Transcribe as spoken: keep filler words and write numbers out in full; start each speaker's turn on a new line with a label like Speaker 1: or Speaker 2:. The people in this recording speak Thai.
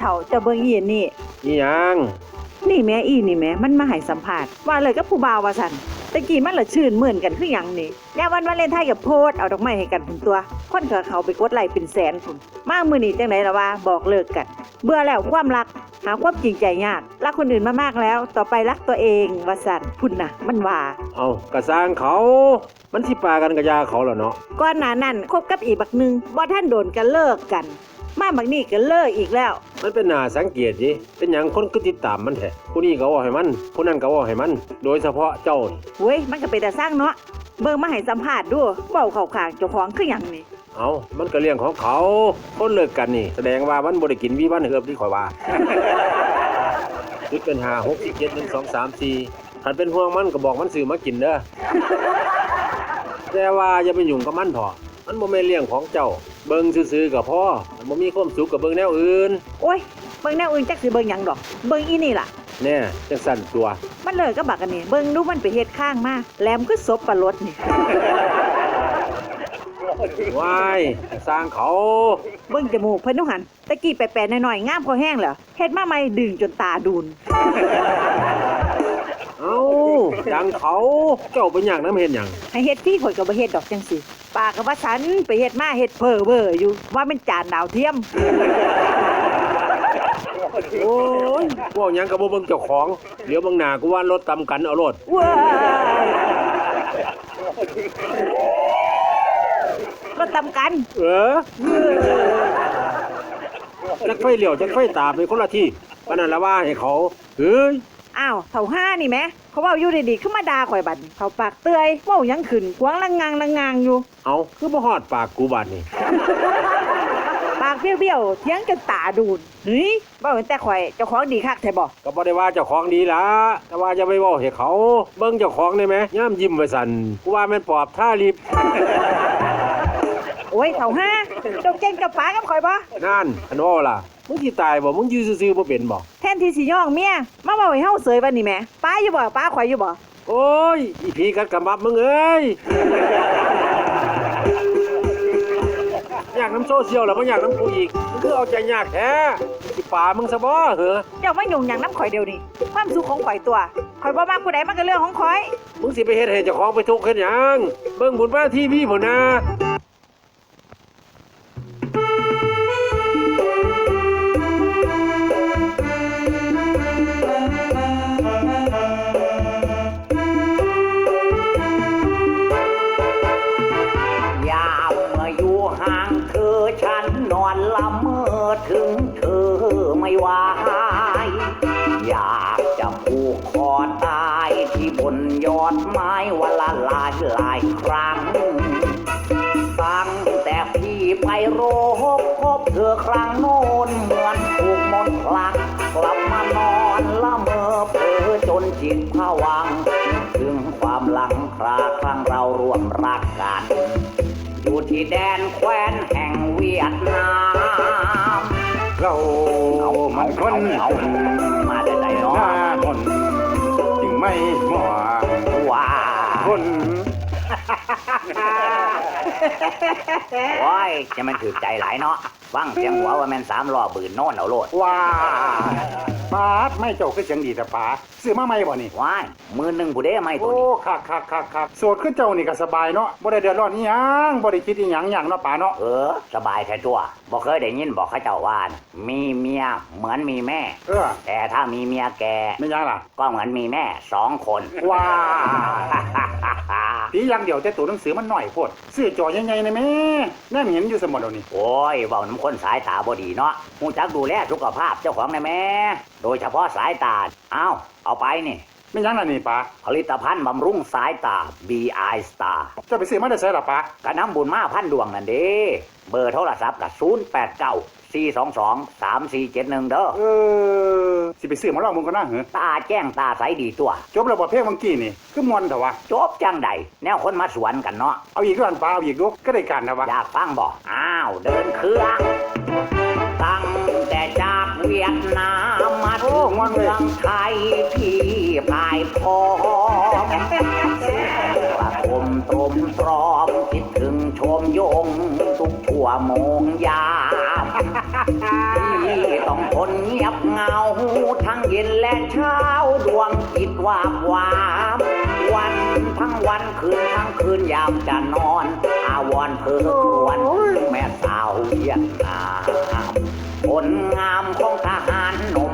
Speaker 1: ฒ่าเจ้าเบิ่งอีนี่
Speaker 2: อีหยัง
Speaker 1: นี่แม่อีนี่แม่มันมาให้สัมภาษณ์ว่าเลยกับผู้บ่าวว่าซั่นตะกี้มันละชื่นมื่นกันคือหยังนี่แนววันวาเลนไทน์กับโพสเอาดอกไม้ให้กันพุ่นตัวคนก็เขาไปกดไลค์เป็นแสนพุ่นมามื้อนี้จังได๋ล่ะว่าบอกเลิกกันเบื่อแล้วความรักหาความจริงใจยากรักคนอื่นมามากแล้วต่อไปรักตัวเองว่าซั่นพุ่นน่ะมันว่า
Speaker 2: เอากระสร้างเขามันสิปากันกะยาเขาแล้วเนาะ
Speaker 1: ก่อนหน้านั้นคบกับอีกบักนึงบ่ทันโดนกันเลิกกันมาบักนี้ก็เลิกอีกแล้ว
Speaker 2: มันเป็นหน้าสังเกตดิเป็นหยังคนก็ติดตามมันแท้ผู้นี้ก็ว่าให้มันผู้นั้นก็ว่าให้มันโดยเฉพาะเจ้านี่
Speaker 1: เว้ยมันก็เป็นแต่สร้างเนาะเบิ่งมาให้สัมภาษณ์ดูเว้าเข้าข้างเจ้าของคือหยังนี่
Speaker 2: เอามันก็เรื่องของเขาคนเลิกกันนี่แสดงว่ามันบ่ได้กินวีวันเฮือบที่ข่อยว่าคิดเป็นห้า หก เจ็ด หนึ่ง สอง สาม สี่คันเป็นห่วงมันก็บอกมันซื้อมากินเด้อแต่ว่าอย่าไปยุ่งกับมันพอมันบ่แม่นเรื่องของเจ้าเบิ่งซื่อๆก็พอมันบ่มีความสุขกับเบิ่งแนวอื่น
Speaker 1: โอ้ยเบิ่งแนวอื่นจักสิเบิ่งหยังดอกเบิ่งอีนี่ล่ะ
Speaker 2: แน่จังสั่นตัว
Speaker 1: มันเลิกกับบักอันนี้เบิ่งดูมันไปเฮ็ดข้างมาแหลมคือศพปลารดนี่
Speaker 2: ว้ายสร้างเขา
Speaker 1: เบิ่งจมูกเพิ่นนูหั่นตะกี้แปะๆหน่อยๆงามพอแห้งแล้วเฮ็ดมาใหม่ดึงจนตาดูน
Speaker 2: เอ้าดังเขาเจ้าเป็นหยังนำเฮ็ดหยัง
Speaker 1: ให้เฮ็ดที่ข่อยก็บ่เฮ็ดดอกจังซี่ปากก็ว่าฉันไปเฮ็ดมาเฮ็ดเพ้อเบ้ออยู่ว่ามันจานดาวเทียม
Speaker 2: โอ้ยพวกหยังก็บ่เบิ่งเจ้าของเดี๋ยวเบิ่งหน้ากูว่ารถตำกันเอาโลด
Speaker 1: ว้ายรถตำกัน
Speaker 2: เออจักไฟเลี้ยวจักไฟตามเป็นคนละที่ปานนั้นละว่าให้เขาเฮ้ย
Speaker 1: อ้าวเฒ่าห้านี่แหมเขาเว้าอยู่ดีๆขึ้นมาด่าข่อยบัดนี้เขาปากเตื้อยเว้าหยังขึ้นกวางละงางละงางอยู่
Speaker 2: เอ้าคือบ่ฮอดปากกูบัดนี่
Speaker 1: ปากเบี้ยวๆเถียงจนตาดูดเฮ้ยเว้าแต่ข่อยเจ้าของดีคักแท้บ่
Speaker 2: ก็บ่ได้ว่าเจ้าของดีล่ะแต่ว่าอย่าไปเว้าให้เขาเบิ่งเจ้าของได้มั้ยยามยิ้มไว้สั่นกูว่าแม่นปอบท่าลิบ
Speaker 1: โอ้ยเฒ่าห้าเจ้าเก่งกับปากับข่อยบ่
Speaker 2: นั่นอันว่าล่ะมึงสิตายบ่มึงอยู่ซื่อๆบ่เป็นบ่
Speaker 1: แทนที่สิย่องเมียมาเว้าให้เฮาเสยบัดนี้แหมป้าอยู่บ่ป้าข่อยอยู่บ่
Speaker 2: โอ้ยอีผีกัดกะมับมึงเอ้ยอยากน้ำโซเชียลแล้วบ่อยากน้ำกูอีกมึงคือเอาใจยากแท้สิป่ามึงซะบ่เหรอ
Speaker 1: เจ้ามายุ่งหยังน้ำข่อยเดียวนี่ความสุขของข่อยตัวข่อยบ่มักผู้ใดมันก็เรื่องของข่อย
Speaker 2: มึงสิไปเฮ็ดให้เจ้าของไปทุกข์เฮ็ดหยังเบิ่งบุญพระทีวีพุ่นนะ
Speaker 3: ถึงเธอไม่ไหวอยากจะผูกคอตายที่บนยอดไม้วันละหลายหลายครั้งตั้งแต่พี่ไปโรบพบเธอครั้งโน้นเหมือนถูกมนต์พลังกลับมานอนละเมอเพ้อจนจิตผวังถึงความหลังคราครั้งเราร่วมรักกันอยู่ที่แดนแคว้นแห่งเวียดนาม
Speaker 4: เรามันคน
Speaker 3: มาได้ไหนเนาะ
Speaker 4: คนจึงไม่หมัว
Speaker 3: ว้า
Speaker 4: คน
Speaker 3: โอ้ยจะมันถือใจหลายเนาะฟังเสียงหัวว่าแม่นสามล้อบืนโน่นเอาโลด
Speaker 4: ว้าปาดไม่เจ้าคือเสียงดีแต่ป๋าซื้อมาใหม่บ่นี่
Speaker 3: ว้ายมือหนึ่งผู้ใดไม่ตัวนี้
Speaker 4: โอ้คักคักคักคักโสดคือเจ้านี่ก็สบายเนาะบ่ได้เดือดร้อนอีหยังบ่ได้คิดอีหยังหยังเนาะป๋าเนาะ
Speaker 3: เออสบายแท้ตัวบ่เคยได้ยินบอกเขาเจ้าว่ามีเมียเหมือนมีแม่
Speaker 4: เออ
Speaker 3: แต่ถ้ามีเมียแก่
Speaker 4: ไม่ยังล่ะ
Speaker 3: ก็เหมือนมีแม่สองคน
Speaker 4: ว้าตีอย่างเดียวแต่ตัวหนังสือมันหน่อยโพดซื้อจอใหญ่ๆนะแม่แน่เห็นอยู่เสมอเดี๋ยวนี้
Speaker 3: โอ้ยเว้าน้ำคนสายตาบ่ดีเนาะฮู้จักดูแลสุขภาพเจ้าของได้แม่โดยเฉพาะสายตาอ้าวเอาไปนี่
Speaker 4: ไม่ยังล่ะนี่ป๋า
Speaker 3: ผลิตภัณฑ์บำรุงสายตา บี ไอ Star
Speaker 4: จะไปซื้อมาได้ไสล่ะป๋า
Speaker 3: ก็นำบุญมาพันดวงนั่นเด้เบอร์โทรศัพท์ก็ศูนย์ แปด เก้า สี่ สอง สอง สาม สี่ เจ็ด หนึ่งเด้อ
Speaker 4: เออสิไปซื้อมาลองมึงก็น่าเหรอ
Speaker 3: ตาแจ้งตาใสดีตัว
Speaker 4: จบแล้วบ่เพลงเมื่อกี้นี่คือม่วนเถอะวะ
Speaker 3: จบจังใดแนวคนมาสวนกันเนาะ
Speaker 4: เอาอีกด้วยป๋าเอาอีกดูก็ได้กันนะวะ
Speaker 3: อยากฟังบ่อ้าวเดินเครื่องตั้งแต่จากเวียดนามมาถึงเมืองไทยพี่พายพร้อมประคมตรมตรอมคิดถึงชมยงทุกชั่วโมงยามามที่ต้องทนเงียบเหงาทั้งเย็นและเช้าดวงจิตวาบวามวันทั้งวันคืนทั้งคืนยามจะนอน อาวรณ์เพ้อครวญแม่สาวเวียดนามผลงามของทหารหนุ่ม